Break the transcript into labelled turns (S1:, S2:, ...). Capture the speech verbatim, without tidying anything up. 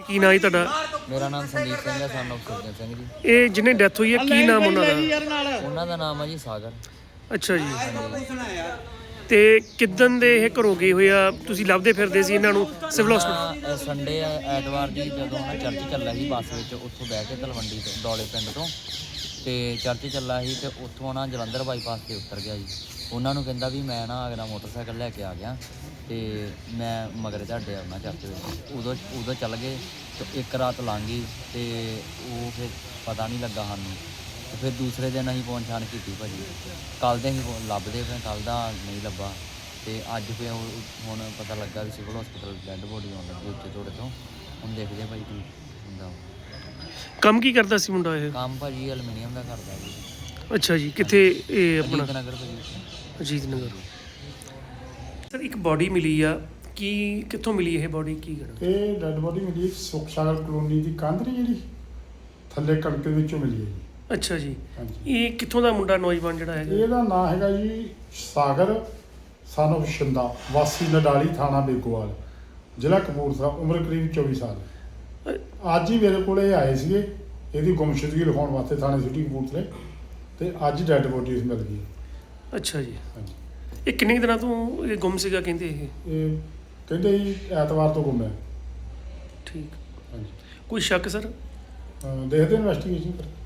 S1: ਕੀ ਨਾਂ ਜੀ ਤੁਹਾਡਾ?
S2: ਮੇਰਾ ਨਾਮ ਸੰਦੀਪ ਸਿੰਘ ਹੈ, ਸਨ ਆਫ ਸੁਰਜਨ ਸਿੰਘ ਜੀ।
S1: ਇਹ ਜਿਹਨੇ ਡੈਥ ਹੋਈ ਹੈ ਕੀ ਨਾਮ ਉਹਨਾਂ ਦਾ?
S2: ਉਹਨਾਂ ਦਾ ਨਾਮ ਹੈ ਜੀ ਸਾਗਰ।
S1: ਅੱਛਾ ਜੀ। ਤੇ ਕਿੱਦਣ ਦੇ ਇਹ ਘਰੋਂ ਗਏ ਹੋਏ ਆ? ਤੁਸੀਂ ਲੱਭਦੇ ਫਿਰਦੇ ਸੀ ਇਹਨਾਂ ਨੂੰ ਸਿਵਲ ਹਸਪੀਟਲ?
S2: ਸੰਡੇ ਐਤਵਾਰ ਦੀ ਜਦੋਂ ਨਾ ਚਰਚ ਚੱਲਿਆ ਸੀ ਬੱਸ ਵਿੱਚ, ਉੱਥੋਂ ਬਹਿ ਕੇ ਤਲਵੰਡੀ ਤੋਂ ਡੋਲੇ ਪਿੰਡ ਤੋਂ ਤੇ ਚਰਚ ਚੱਲਾ ਸੀ ਤੇ ਉੱਥੋਂ ਨਾ ਜਲੰਧਰ ਬਾਈਪਾਸ ਤੇ ਉਤਰ ਗਿਆ ਜੀ। ਉਹਨਾਂ ਨੂੰ ਕਹਿੰਦਾ ਵੀ ਮੈਂ ਨਾ ਅਗਲਾ ਮੋਟਰਸਾਈਕਲ ਲੈ ਕੇ ਆ ਗਿਆ ਤੇ ਮੈਂ ਮਗਰ ਤੁਹਾਡੇ ਆਉਣਾ ਚਰਚ ਵਿੱਚ। ਉਦੋਂ ਉਦੋਂ ਚੱਲ ਗਏ ਤੇ ਇੱਕ ਰਾਤ ਲੰਘ ਗਈ ਤੇ ਉਹ ਫਿਰ ਪਤਾ ਨਹੀਂ ਲੱਗਾ ਸਾਨੂੰ। ਤੇ ਫਿਰ ਦੂਸਰੇ ਦਿਨ ਅਸੀਂ ਪਹੁੰਚ ਛਾਣ ਕੀਤੀ ਭਾਜੀ। ਕੱਲ੍ਹ ਦੇ ਅਸੀਂ ਲੱਭਦੇ ਪਏ, ਕੱਲ੍ਹ ਦਾ ਨਹੀਂ ਲੱਭਾ ਤੇ ਅੱਜ ਫਿਰ ਹੁਣ ਪਤਾ ਲੱਗਾ ਵੀ ਸਿਵਲ ਹਸਪੀਟਲ ਡੈੱਡ ਬੋਡੀ ਆਉਣ ਲੱਗੀ ਉੱਤੇ ਥੋੜ੍ਹੇ ਤੋਂ। ਹੁਣ ਦੇਖਦੇ ਭਾਈ ਕੀ ਹੁੰਦਾ।
S1: ਕੰਮ ਕੀ ਕਰਦਾ ਸੀ ਮੁੰਡਾ ਇਹ?
S2: ਕੰਮ ਭਾਜੀ ਐਲੂਮੀਨੀਅਮ ਦਾ ਕਰਦਾ ਜੀ।
S1: ਅੱਛਾ ਜੀ। ਕਿੱਥੇ ਇਹ ਆਪਣਾ?
S2: ਅਜੀਤ ਨਗਰ ਭਾਜੀ।
S1: ਅਜੀਤ ਨਗਰ। ਸਰ ਇੱਕ ਬੋਡੀ ਮਿਲੀ ਆ, ਕੀ ਕਿੱਥੋਂ ਮਿਲੀ ਇਹ ਬੋਡੀ? ਕੀ ਕਰਨਾ?
S3: ਇਹ ਡੈਡ ਬੋਡੀ ਮਿਲੀ ਸੁਖ ਸਾਗਰ ਕਲੋਨੀ ਦੀ ਕੰਧ ਨਹੀਂ ਜਿਹੜੀ ਥੱਲੇ ਕਣਕ ਦੇ ਵਿੱਚੋਂ ਮਿਲੀ ਹੈ ਜੀ।
S1: ਅੱਛਾ ਜੀ।
S3: ਹਾਂਜੀ।
S1: ਇਹ ਕਿੱਥੋਂ ਦਾ ਮੁੰਡਾ ਨੌਜਵਾਨ ਜਿਹੜਾ ਹੈਗਾ?
S3: ਇਹਦਾ ਨਾਂ ਹੈਗਾ ਜੀ ਸਾਗਰ ਸਨ ਆਫ ਸ਼ਿੰਦਾ, ਵਾਸੀ ਨਡਾਲੀ, ਥਾਣਾ ਬੇਗੋਵਾਲ, ਜ਼ਿਲ੍ਹਾ ਕਪੂਰਥਲਾ, ਉਮਰ ਕਰੀਬ ਚੌਵੀ ਸਾਲ। ਅੱਜ ਹੀ ਮੇਰੇ ਕੋਲ ਇਹ ਆਏ ਸੀਗੇ ਇਹਦੀ ਗੁੰਮਸ਼ੁਦਗੀ ਲਿਖਾਉਣ ਵਾਸਤੇ ਥਾਣੇ ਸਿਟੀ ਕਪੂਰਥਲੇ, ਤੇ ਅੱਜ ਡੈਡ ਬੋਡੀ ਇਸ ਮਿਲ ਗਈ।
S1: ਅੱਛਾ ਜੀ।
S3: ਹਾਂਜੀ।
S1: ਇਹ ਕਿੰਨੇ ਕੁ ਦਿਨਾਂ ਤੋਂ ਇਹ ਗੁੰਮ ਸੀਗਾ ਕਹਿੰਦੇ ਇਹ?
S3: ਇਹ ਕਹਿੰਦੇ ਜੀ ਐਤਵਾਰ ਤੋਂ ਗੁੰਮ ਹੈ।
S1: ਠੀਕ।
S3: ਹਾਂਜੀ।
S1: ਕੋਈ ਸ਼ੱਕ ਸਰ?
S3: ਅਹ ਦੇਖਦੇ ਇਨਵੈਸਟੀਗੇਸ਼ਨ ਕਰ